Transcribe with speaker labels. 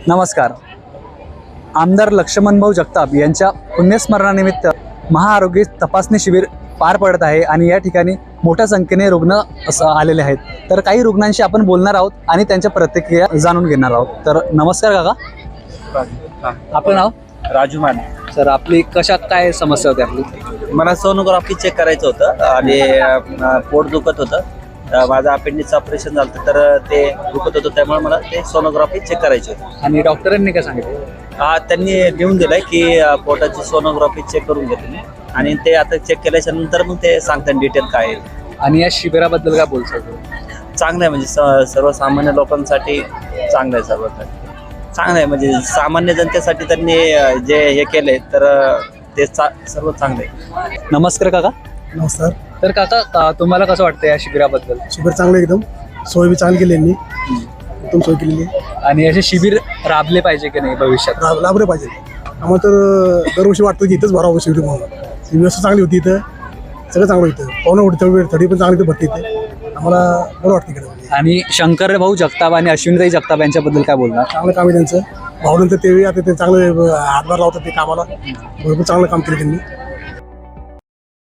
Speaker 1: नमस्कार. आमदार लक्ष्मणभाऊ जगताप यांच्या पुण्यस्मरणानिमित्त महाआरोग्य तपासणी शिबिर पार पडत आहे आणि या ठिकाणी मोठ्या संख्येने रुग्ण आलेले आहेत. तर काही रुग्णांशी आपण बोलणार आहोत आणि त्यांच्या प्रतिक्रिया जाणून घेणार आहोत. तर नमस्कार काका, आपलं नाव?
Speaker 2: राजू माने.
Speaker 1: सर, आपली कशात काय समस्या होती आपली?
Speaker 2: मला सोनोग्राफी चेक करायचं होतं आणि पोट दुखत होतं. माझं अपेंडिक्स ऑपरेशन झालं होतं, तर ते दुखत होतं, त्यामुळे मला ते सोनोग्राफी चेक करायची होती.
Speaker 1: आणि डॉक्टरांनी काय सांगितलं?
Speaker 2: त्यांनी लिहून दिलंय की पोटाची सोनोग्राफी चेक करून घ्या तुम्ही, आणि ते आता चेक केल्याच्या नंतर मग ते सांगतात डिटेल काय आहे.
Speaker 1: आणि या शिबिराबद्दल काय बोलतो?
Speaker 2: चांगलं आहे, म्हणजे सर्वसामान्य लोकांसाठी चांगलं आहे. सर्व चांगलं आहे, म्हणजे सामान्य जनतेसाठी त्यांनी जे हे केले तर ते सर्व चांगलं आहे.
Speaker 1: नमस्कार काका.
Speaker 3: नमस्कार.
Speaker 1: तर काका, तुम्हाला कसं वाटतं या शिबिराबद्दल?
Speaker 3: शिबिर चांगलं एकदम, सोय बी चांगली केली यांनी, उत्तम सोय केलेली आहे.
Speaker 1: आणि असे शिबिर राबले पाहिजे की नाही भविष्यात?
Speaker 3: लाभले पाहिजे. आम्हाला तर दरवर्षी वाटतं की इथंच भरावं शिबिर म्हणून. ही व्यवस्था चांगली होती, इथं सगळं चांगलं होतं. पाहुणं होती, थडी पण चांगली भरती इथे. आम्हाला बरं वाटतं इकडे.
Speaker 1: आणि शंकरभाऊ जगताप आणि अश्विनीताई जगताप यांच्याबद्दल काय बोलणार?
Speaker 3: चांगलं काम आहे त्यांचं. भाऊनंतर ते आता ते चांगलं हातभार लावतात ते कामाला. भरपूर चांगलं काम केलं त्यांनी.